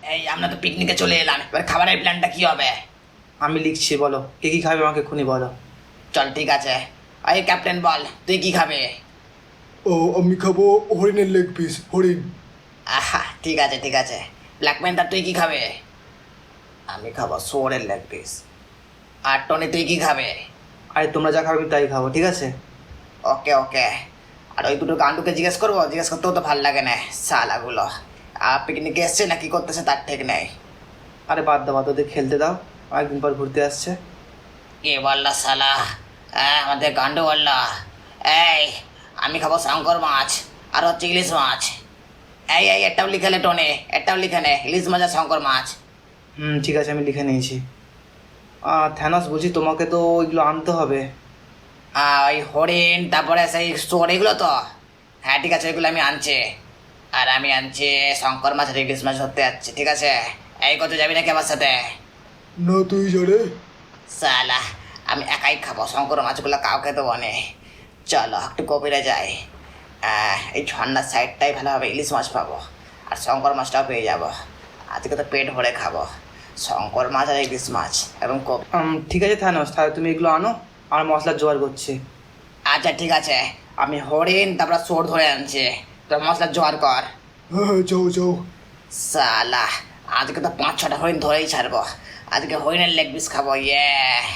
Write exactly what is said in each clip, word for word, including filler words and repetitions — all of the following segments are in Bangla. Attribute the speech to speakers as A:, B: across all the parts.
A: এই আমরা তো পিকনিকে চলে এলাম, এবার খাবারের প্ল্যানটা কি হবে?
B: আমি লিখছি, বলো কে কী খাবে আমাকে এক্ষুনি বলো।
A: চল ঠিক আছে। এই ক্যাপ্টেন বল, তুই কি খাবে?
C: ও আমি খাবো হরিণের লেগ পিস, হরিণ।
A: আহা ঠিক আছে ঠিক আছে। ব্ল্যাক প্যান্থার তুই কি খাবে? আমি খাবো শুয়োরের লেগ পিস। আর টনি তুই কি খাবে?
B: আরে তোমরা যা খাবে আমি তাই খাবো, ঠিক আছে?
A: ওকে ওকে। আর ওই দুটো গান্ডুকে জিজ্ঞেস করবো, জিজ্ঞেস করতেও তো ভালো লাগে না শালাগুলো। আর পিকনিকে এসছে না কি করতেছে তার ঠিক নেই।
B: আরে বাদ দাও, বাদ ওদের খেলতে দাও, একদিন পর ঘুরতে আসছে।
A: কে বললা শালা? হ্যাঁ আমাদের গান্ডু বললা। এই আমি খাবো শঙ্কর মাছ আর হচ্ছে ইলিশ মাছ। এই এই এটাও লিখে নে টনে, এটাও লিখে নে, ইলিশ মাছ আর শঙ্কর মাছ।
B: হুম ঠিক আছে, আমি লিখে নিয়েছি। থ্যানস বলছি, তোমাকে তো ওইগুলো আনতে হবে।
A: আহ, ওই হরিণ তারপরে সেই চোর এগুলো তো। হ্যাঁ ঠিক আছে, ওইগুলো আমি আনছি। আর আমি আনছি শঙ্কর মাছ আর ইলিশ মাছ ধরতে যাচ্ছি, ঠিক আছে? এই কত যাবি নাকি আমার সাথে?
C: না তুই জানে।
A: সালা আমি একাই খাবো, শঙ্কর মাছগুলো কাউকে দেবো নে। চলো একটু গভীরে যাই। আহ, এই ঝর্নার সাইডটাই ভালো হবে, ইলিশ মাছ পাবো আর শঙ্কর মাছটাও পেয়ে যাবো। আজকে তো পেট ভরে খাবো শঙ্কর মাছ আর ইলিশ মাছ এবং কপি।
B: উম, ঠিক আছে থ্যানস, তাহলে তুমি এগুলো আনো, আর মশলার জোগাড় করছি।
A: আচ্ছা ঠিক আছে, আমি হরিণ তারপর চোর ধরে আনছি, তোর মশলা জোগাড় কর।
C: হ্যাঁ হ্যাঁ যাও যাও।
A: সালা আজকে তো পাঁচ ছটা হরিণ ধরেই ছাড়বো। আজকে হরিণের লেগ পিস খাবো, ইয়ে।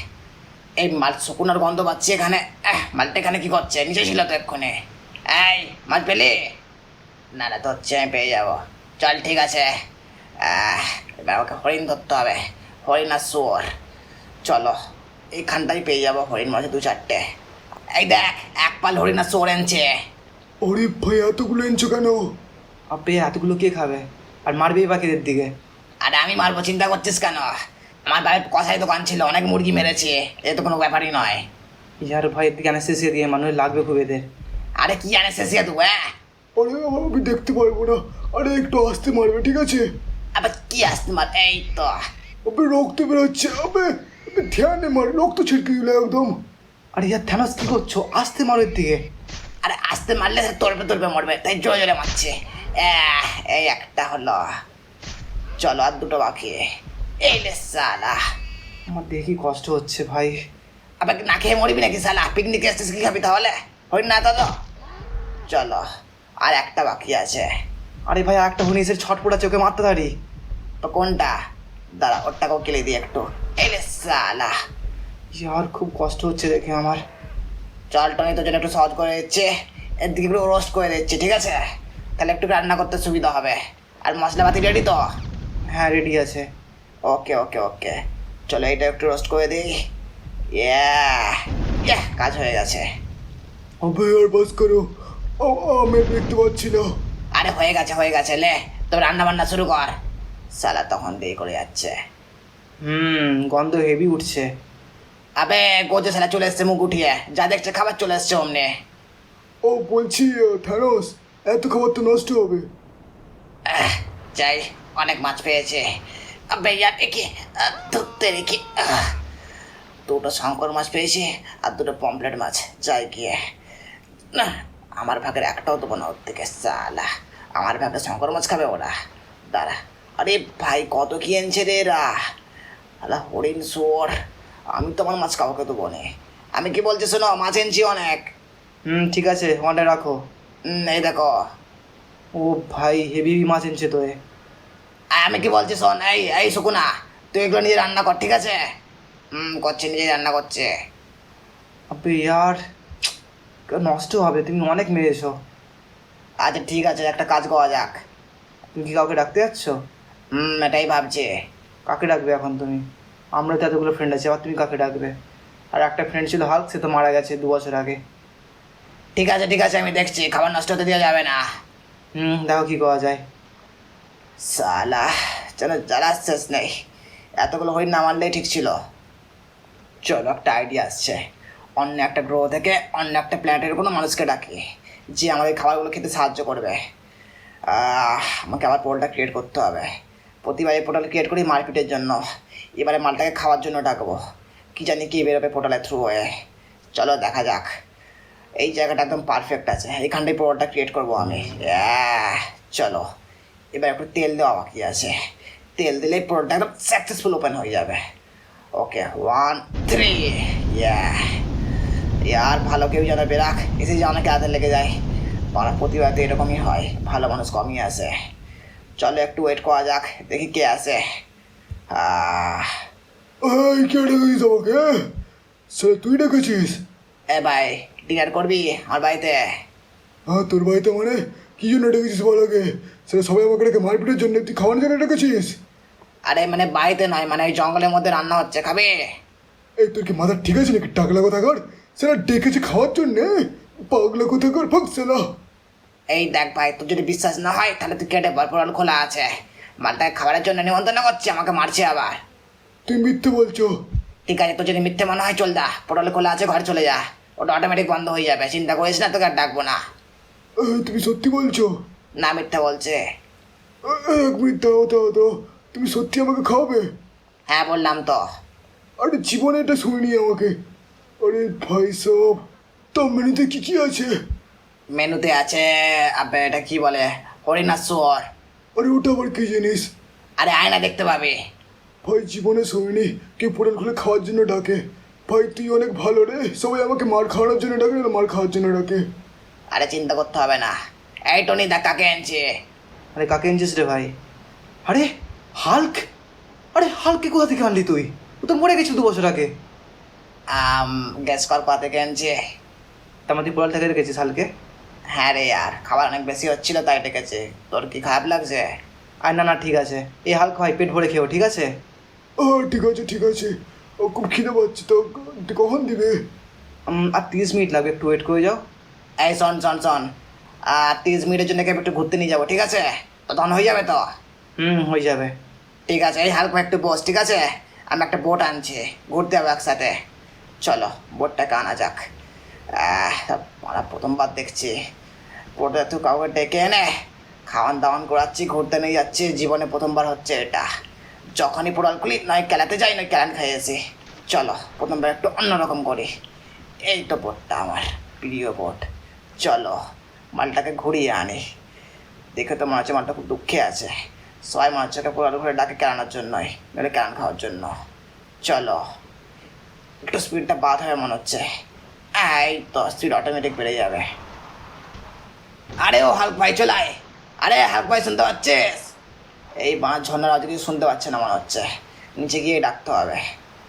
A: এই মাল শুকুনোর গন্ধ পাচ্ছি এখানে। আহ, মালটা এখানে কি করছে? নিচে ছিল তো এক্ষুনি। এই মাছ পেলি? না না তো হচ্ছে আমি পেয়ে যাবো। চল ঠিক আছে। আহ, এবার আমাকে হরিণ ধরতে হবে, হরিণ আর শুয়োর। চলো এইখানটাই পেয়ে যাবো হরিণ মাছ দু চারটে। এই দেখ এক পাল হরিণ আর শুয়োর এনেছে।
C: আরে ভাই এতগুলো এনেছো কেন?
B: আপনি এতগুলো কে খাবে? আর মারবেই বাকিদের দিকে।
A: আরে আমি মারবো, চিন্তা করছিস কেন? আমার বাড়ির কষাই দোকান ছিল, অনেক মুরগি মেরেছে, এ তো কোনো ব্যাপারই নয়।
B: ইয়ার ভাই, এদিকে অ্যানেস্থেসিয়া দিয়ে মানুষ লাগবে খুব এদের।
A: আরে কি আনে শেষিয়া তুই? হ্যাঁ
C: আরে আমি দেখতে পারবো না। আরে একটু আসতে মারবে, ঠিক আছে?
A: আবার কি আসতে মার? এই তো।
C: আবে রক্ত বেরোচ্ছে, আবে আবে ধ্যানে মার, রক্ত ছিটকে দিল একদম।
B: আরে ইয়ার থ্যানস কি করছো? আসতে মারো এর দিকে।
A: আরে আসতে মারলে সে তরবে তরবে মরবে, তাই জোরে জোরে মারছে। আহ, এই একটা হলো। চলো আর দুটো বাকি। এই লে সালা।
B: আমার দেখি কষ্ট হচ্ছে ভাই।
A: আবার না খেয়ে মরবি নাকি সালা? পিকনিকে এসছিস, কি খাবি তাহলে? হই না তো। চলো আর একটা বাকি আছে।
B: আরে ভাই, একটা হুনিসের ছটপটা চোখে মারতে পারি।
A: তো কোনটা? দাঁড়া ওরটাকেও কেলে দিই একটু। এই লে সালা।
B: ইয়ার খুব কষ্ট হচ্ছে দেখে আমার।
A: চল টনি তোর জন্য একটু সহজ করে দিচ্ছে, এর দিকে একটু রোস্ট করে দিচ্ছি, ঠিক আছে? তাহলে একটু রান্না করতে সুবিধা হবে। আর মশলাপাতি রেডি তো?
B: হ্যাঁ রেডি আছে।
A: ওকে ওকে ওকে। চলো এটা একটু রোস্ট করে দিই। ইয়া ইয়া, কাজ হয়ে গেছে।
C: আবে আর বাস করো, আ- আমি দেখতে পাচ্ছি না।
A: আরে হয়ে গেছে হয়ে গেছে, লে তবে রান্না বান্না শুরু কর। সালা তখন দেরি করে যাচ্ছে।
B: হুম গন্ধ হেভি উঠছে।
A: আবে গোজে সালা চলে এসছে মুখ উঠিয়ে, যা দেখছে খাবার চলে এসছে অমনে।
C: ও বলছি থ্যানোস, এত খাবার তো নষ্ট হবে।
A: আহ, যাই, অনেক মাছ পেয়েছে। আবে ইয়ার একে ধরতে রেখে দুটো শঙ্কর মাছ পেয়েছি আর দুটো পমপ্লেট মাছ। যাই গিয়ে না, আমার ভাগের একটাও দেবো না ওর থেকে সালা। আমার ভাগে শঙ্কর মাছ খাবে ওরা। দাঁড়া। আরে ভাই কত কি এনেছে রে এরা! আলা হরিণ শুয়োর, আমি তো আমার মাছ কাউকে দেবো না। আমি কি বলছি শোনো, মাছ এনেছি অনেক।
B: হুম ঠিক আছে, ওখানটা রাখো।
A: হুম, এই দেখো।
B: ও ভাই, হেভি মাছ এনেছে তো এ।
A: আর আমি কি বলছি শোন, এই এই সুকুনা, তুই এগুলো নিজে রান্না কর, ঠিক আছে? হুম করছে, নিজে রান্না করছে।
B: আবে ইয়ার নষ্ট হবে, তুমি অনেক মেরেছো।
A: আচ্ছা ঠিক আছে, একটা কাজ করা যাক।
B: তুমি কি কাউকে ডাকতে যাচ্ছ?
A: হুম এটাই ভাবছি।
B: কাকে ডাকবে এখন তুমি? আমরা তো এতগুলো ফ্রেন্ড আছে, আবার তুমি কাকে ডাকবে? আর একটা ফ্রেন্ড ছিল হাল্ক, সে তো মারা গেছে দু বছর আগে।
A: ঠিক আছে ঠিক আছে, আমি দেখছি, খাবার নষ্ট হতে দেওয়া যাবে না।
B: হুম দেখো কি করা যায়।
A: সালা যেন জ্বালা শেষ নেই, এতগুলো হরিণ না মারলেই ঠিক ছিল। চলো একটা আইডিয়া আসছে, অন্য একটা গ্রহ থেকে অন্য একটা প্ল্যানেটের কোনো মানুষকে ডাকি, যে আমাদের খাবারগুলো খেতে সাহায্য করবে। আহ, আমাকে আবার পোর্টাল ক্রিয়েট করতে হবে। প্রতিবার এই পোর্টাল ক্রিয়েট করি মারপিটের জন্য, এবারে মালটাকে খাওয়ার জন্য ডাকবো। কি জানি কি বেরোবে পোর্টালের থ্রু হয়ে। চলো দেখা যাক। এই জায়গাটা একদম পারফেক্ট আছে, এখানটাই পোর্টালটা ক্রিয়েট করবো আমি। আহ, চলো এবার একটু তেল দেওয়া বাকি আছে। তেল দিলেই পুরোটা একদম সাকসেসফুল ওপেন হয়ে যাবে। ওকে, ওয়ান থ্রি। ইয়া ইয়ার ভালো কেউ যেন বেরাক, এসে যে অনেকে হাতে লেগে যায়। পাড়া প্রতিবাদে এরকমই হয়, ভালো মানুষ কমই আসে। চলো একটু ওয়েট করা যাক, দেখি কে আসে। আহ,
C: এই কে ডেকেছিস আমাকে? স্যার তুই ডেকেছিস?
A: এ ভাই, ডিনার করবি আমার বাড়িতে?
C: হ্যাঁ, তোর বাড়িতে মানে কি জন্য ডেকেছিস বল আগে? স্যার সবাই আমাকে ডেকে মারপিটের জন্য, তুই খাওয়ানোর জন্য ডেকেছিস?
A: আরে মানে বাড়িতে নয়, মানে ওই জঙ্গলের মধ্যে রান্না হচ্ছে, খাবে?
C: এই তোর কি মাথা ঠিক আছে নাকি? টাকলা কথা কর। স্যার ডেকেছে খাওয়ার জন্যে? পাগলা কথা কর, ফাঁক সেলা।
A: এই দেখ ভাই, তোর যদি বিশ্বাস না হয় তাহলে তুই কেটে বল, পোড়াল খোলা আছে। মালটাকে খাবারের জন্য নিমন্ত্রণ করছে, আমাকে মারছে আবার।
C: তুই মিথ্যে বলছো?
A: ঠিক আছে, তোর যদি মিথ্যে মনে হয় চল যা, পোড়াল খোলা আছে, ঘরে চলে যা। ওটা অটোমেটিক বন্ধ হয়ে যাবে, চিন্তা করিস না, তোকে আর ডাকবো না।
C: এই, তুমি সত্যি বলছো?
A: না, মিথ্যে বলছে।
C: এই, এক মিনিট দাও দাও দাও, তুমি সত্যি আমাকে খাওয়াবে?
A: হ্যাঁ বললাম তো।
C: আরে জীবনে এটা শুনিনি আমাকে। আরে ভাই সব, তো মেনুতে কি কি আছে?
A: মেনুতে আছে আবে এটা কি বলে, হরিণার শুয়োর।
C: আরে ওটা আবার কি জিনিস?
A: আরে আয়না দেখতে পাবে।
C: ভাই জীবনে শুনিনি কেউ পোড়াল খুলে খাওয়ার জন্য ডাকে। ভাই তুই অনেক ভালো রে, সবাই আমাকে মার খাওয়ানোর জন্য ডাকে না মার খাওয়ার জন্য ডাকে?
A: আরে চিন্তা করতে হবে না। এই টনি দেখ কাকে আনছে।
B: আরে কাকে এনেছিস রে ভাই? আরে হাল্ক! আরে হাল্ককে কোথা থেকে আনলি তুই? ও তো মরে গেছিল দু বছর আগে।
A: আম গ্যাস কর পা থেকে আনছে।
B: তার মধ্যে পোড়াল থেকে রেখেছিস হালকে?
A: হ্যাঁ রে ইয়ার, খাবার অনেক বেশি হচ্ছিল তাই ডেকেছে। তোর কি খারাপ লাগছে?
B: আর না না ঠিক আছে, এই হাল্ক ভাই পেট ভরে খেও, ঠিক আছে?
C: ও ঠিক আছে ঠিক আছে, ও খুব খিদে পাচ্ছে তো, তুই কখন দিবে?
B: উম, আর তিরিশ মিনিট লাগবে, একটু ওয়েট করে যাও।
A: এই শোন শোন শোন, আর তিরিশ মিনিটের জন্য একটু ঘুরতে নিয়ে যাবো, ঠিক আছে? তো তখন হয়ে যাবে তো?
B: হুম, হয়ে যাবে।
A: ঠিক আছে, এই হালকা একটু বস, ঠিক আছে? আমি একটা বোট আনছি, ঘুরতে যাবো একসাথে। চলো বোটটাকে আনা যাক। আহ, আমরা প্রথমবার দেখছি বোটে তো কাউকে ডেকে এনে খাওয়ান দাওয়ান করাচ্ছি, ঘুরতে নিয়ে যাচ্ছি, জীবনে প্রথমবার হচ্ছে এটা। যখনই পোড়াল খুলি নয় খেলাতে যাই নয় ক্যালান খাইয়েছি। চলো প্রথমবার একটু অন্যরকম করি। এই তো বোটটা আমার প্রিয় বোট। চলো মালটাকে ঘুরিয়ে আনি। দেখে তো মনে হচ্ছে মালটা খুব দুঃখে আছে। সবাই মনে হচ্ছে পোড়াল ঘুরে ডাকে কেরানোর জন্যই, নইলে কেরান খাওয়ার জন্য। চলো একটু স্পিডটা বাদ হবে মনে হচ্ছে। এই তো স্পিড অটোমেটিক বেড়ে যাবে। আরে ও হাল্ক ভাই চলে আয়। আরে হাল্ক ভাই শুনতে পাচ্ছিস? এই বাঁশ ঝর্ণার আজ কিছু শুনতে পাচ্ছে না মনে হচ্ছে, নিচে গিয়ে ডাকতে হবে।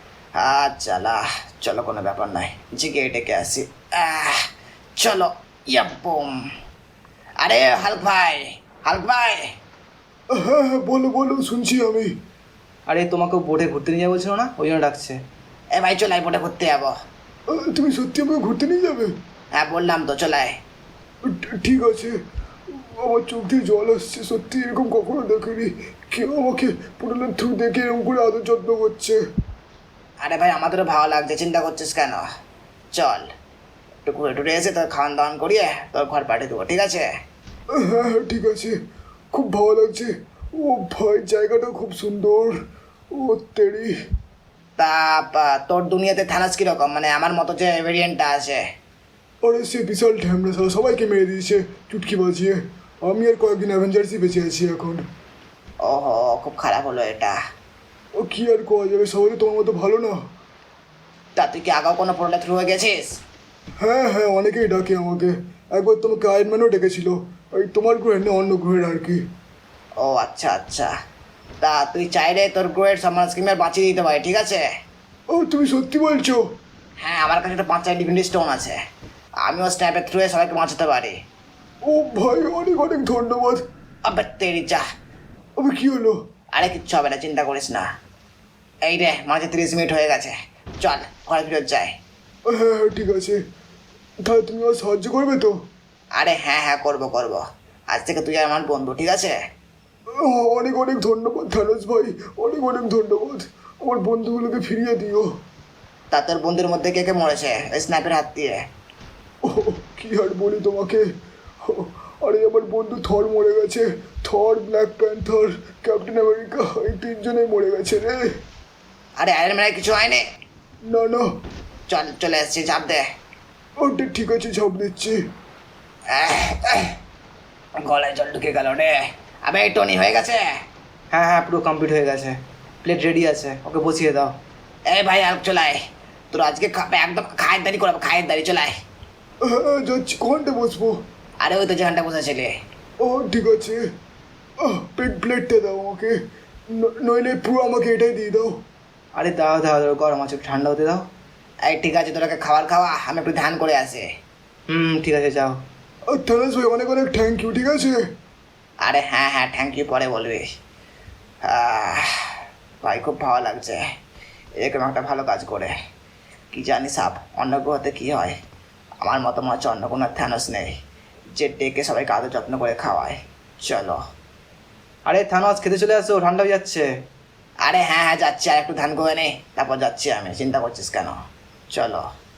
A: আচ্ছা চলো, কোনো ব্যাপার নয়, নিচে গিয়ে ডেকে আসি। আহ, চলো ইয়াব্বুম। আরে হাল্ক ভাই, হাল্ক ভাই।
C: হ্যাঁ হ্যাঁ বলো বলো, শুনছি আমি।
B: আরে তোমাকে বোটে ঘুরতে নিয়ে যাবো বলছিল না, ওই জন্য ডাকছে।
A: এ ভাই চলে আয়, বোটে ঘুরতে যাবো।
C: আহ, তুমি সত্যি আমাকে ঘুরতে নিয়ে যাবে?
A: হ্যাঁ বললাম তো, চলে আয়।
C: ঠ- ঠিক আছে, আমার চোখ দিয়ে জল আসছে, সত্যি এরকম কখনো দেখিনি। কেউ আমাকে পোড়ালের থ্রু দেখে এরকম করে আদর যত্ন করছে।
A: আরে ভাই আমাদেরও ভালো লাগছে, চিন্তা করছিস কেন? চল একটু ঘুরে টুরে এসে তোর খাওয়ান দাওয়ান করিয়ে তোর ঘর পাঠিয়ে দেবো, ঠিক আছে?
C: হ্যাঁ হ্যাঁ ঠিক আছে, খুব ভালো লাগছে। ও ভাই জায়গাটা খুব সুন্দর। ও তেরি।
A: তা পা- তোর দুনিয়াতে থানাস কীরকম, মানে আমার মতো যে ভেরিয়েন্টটা আছে?
C: আরে সে বিশাল ঢ্যামড়া, সারা সবাইকে মেরে দিয়েছে চুটকি বাজিয়ে। আমি আর কয়েকদিন অ্যাভেঞ্জার্সই বেঁচে আছি এখন।
A: ওহো, খুব খারাপ হলো এটা।
C: ও কি আর করা যাবে, সবাই তো তোমার মতো ভালো না।
A: তা তুই কি আগাও কোনো প্রোডাক্ট থ্রু হয়ে গেছিস?
C: হ্যাঁ হ্যাঁ অনেকেই ডাকে আমাকে। একবার তোমাকে আয়রম্যানও ডেকেছিল, ওই তোমার গ্রহের না অন্য গ্রহের আর কি।
A: ও আচ্ছা আচ্ছা, তা তুই চাইলে তোর গ্রোয়ের সমাজ স্কিমের বাঁচিয়ে দিতে পারি, ঠিক আছে?
C: ও তুমি সত্যি বলছো?
A: হ্যাঁ, আমার কাছে একটা পাঁচটা ইনফিনিটি স্টোন আছে, আমিও স্ন্যাপের থ্রুয়ে সবাইকে বাঁচাতে পারি।
C: ও ভাই অনেক অনেক ধন্যবাদ।
A: আবে তেরি যা।
C: আমি কি হলো?
A: আরে কিচ্ছু হবে না, চিন্তা করিস না। এই রে মাঝে তিরিশ মিনিট হয়ে গেছে, চল ঘরে ফিরত যাই।
C: হ্যাঁ হ্যাঁ ঠিক আছে, তাহলে তুমি আমার সাহায্য করবে তো?
A: আরে হ্যাঁ হ্যাঁ করবো করবো, আজ থেকে তুই আমার বন্ধু, ঠিক আছে?
C: ও, অনেক অনেক ধন্যবাদ থানোস ভাই, অনেক অনেক ধন্যবাদ। আমার বন্ধুগুলোকে ফিরিয়ে দিও।
A: তা তোর বন্ধুর মধ্যে কে কে মরেছে ওই স্ন্যাপের হাত দিয়ে?
C: ও কি আর বলি তোমাকে। ও, আরে আমার বন্ধু থর মরে গেছে। Thor, black panther, captain America, এই তিনজনেই মরে গেছে রে।
A: আরে আয়রন ম্যানের কিছু হয়নি?
C: না না,
A: চল চলে এসছি, চাপ দে।
C: ওটা ঠিক আছে, ঝাঁপ দিচ্ছি।
A: আহ, আহ, গলায় জল ঢুকে গেল রে। আবে এই টনি হয়ে গেছে।
B: হ্যাঁ হ্যাঁ পুরো কমপ্লিট হয়ে গেছে, প্লেট রেডি আছে, ওকে বসিয়ে দাও।
A: এই ভাই আর চলায়, তোর আজকে খা- একদম খায়ের দাঁড়ি করাবো, খায়ের দাঁড়ি চলায়।
C: হ্যাঁ হ্যাঁ, যাচ্ছি, কোনটা বসবো?
A: আরে ওই তো যেখানটা বসেছিলে।
C: ও ঠিক আছে। আহ, প্লেট প্লেটটা দাও আমাকে, ন- নইলে পুরো আমাকে এটাই দিয়ে দাও।
B: আরে দাও দাও দাও, গরম আছে, একটু ঠান্ডা হতে দাও।
A: এই ঠিক আছে, তোরাকে খাবার খাওয়া, আমি একটু ধ্যান করে আসি।
B: হুম ঠিক আছে যাও।
C: আর থানাস ভাই অনেক অনেক থ্যাংক ইউ, ঠিক আছে?
A: আরে হ্যাঁ হ্যাঁ থ্যাংক ইউ পরে বলবি। আহ, ভাই খুব ভালো লাগছে এরকম একটা ভালো কাজ করে। কি জানি সাপ, অন্য গ্রহতে কী হয়। আমার মতো মনে হচ্ছে অন্য কোনো থ্যানোস নেই যে ডেকে সবাইকে আদর যত্ন করে খাওয়ায়। চলো।
B: আরে থানোস খেতে চলে আসো, ঠান্ডা হয়ে যাচ্ছে।
A: আরে হ্যাঁ হ্যাঁ যাচ্ছি, আর একটু ধ্যান করে নে, তারপর যাচ্ছি আমি, চিন্তা করছিস কেন? চলো।